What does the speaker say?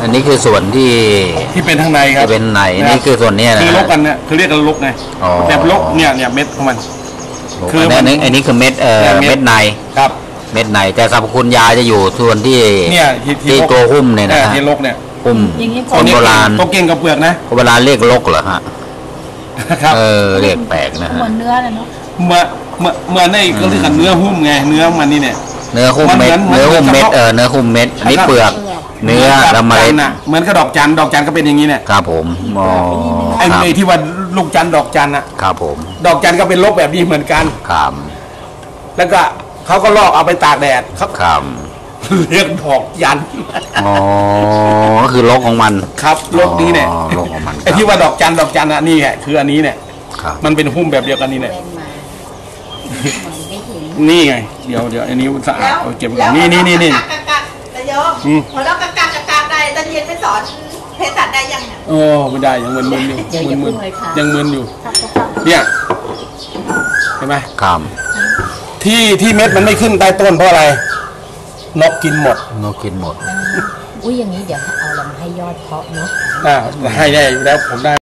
อันนี้คือส่วนที่เป็นข้างในครับเป็นในนี่คือส่วนนี้นะคือลกกันเนี่ยคือเรียกกันลกไงแบบลกเนี่ยเม็ดของมันคืออันนี้คือเม็ดเม็ดในครับเม็ดในแต่สรรพคุณยาจะอยู่ส่วนที่ที่ตัวหุ้มเนี่ยนะที่ลกเนี่ยหุ้มคนโบราณตัวเก่งกับเปลือกนะคนโบราณเรียกลกเหรอฮะครับเรียกแปลกนะฮะเหมือนเนื้อเลยเนาะเมื่อในก็เรียกกันเนื้อหุ้มไงเนื้อมันนี่เนี่ยเนื้อหุ้มเม็ดเนื้อหุ้มเม็ดเนื้อหุ้มเม็ดนี่เปลือกเนื้อละเมล็ดเหมือนกับดอกจันก็เป็นอย่างนี้เนี่ยครับผมไอ้ที่ว่าลูกจันดอกจันอะครับผมดอกจันก็เป็นลกแบบนี้เหมือนกันครับแล้วก็เขาก็ลอกเอาไปตากแดดครับเรียกดอกจันก็คือลกของมันครับลกนี้เนี่ยลกของมันไอ้ที่ว่าดอกจันอะนี่แหละคืออันนี้เนี่ยมันเป็นหุ้มแบบเดียวกันนี่เนี่ยนี่ไงเดี๋ยวอันนี้สะอาดเอาเก็บก่อนนี่แต่โยมพอเรากากได้ตอนเย็นไปสอนเภสัชได้ยังเนี่ยโอ้ไม่ได้ยังมึนอยู่ยังมึนอยู่เนี่ยเห็นไหมครับที่เม็ดมันไม่ขึ้นใต้ต้นเพราะอะไรนกกินหมดอุ้ยอย่างนี้เดี๋ยวเอาลองให้ยอดเพาะเนาะให้ได้อยู่แล้วผมได้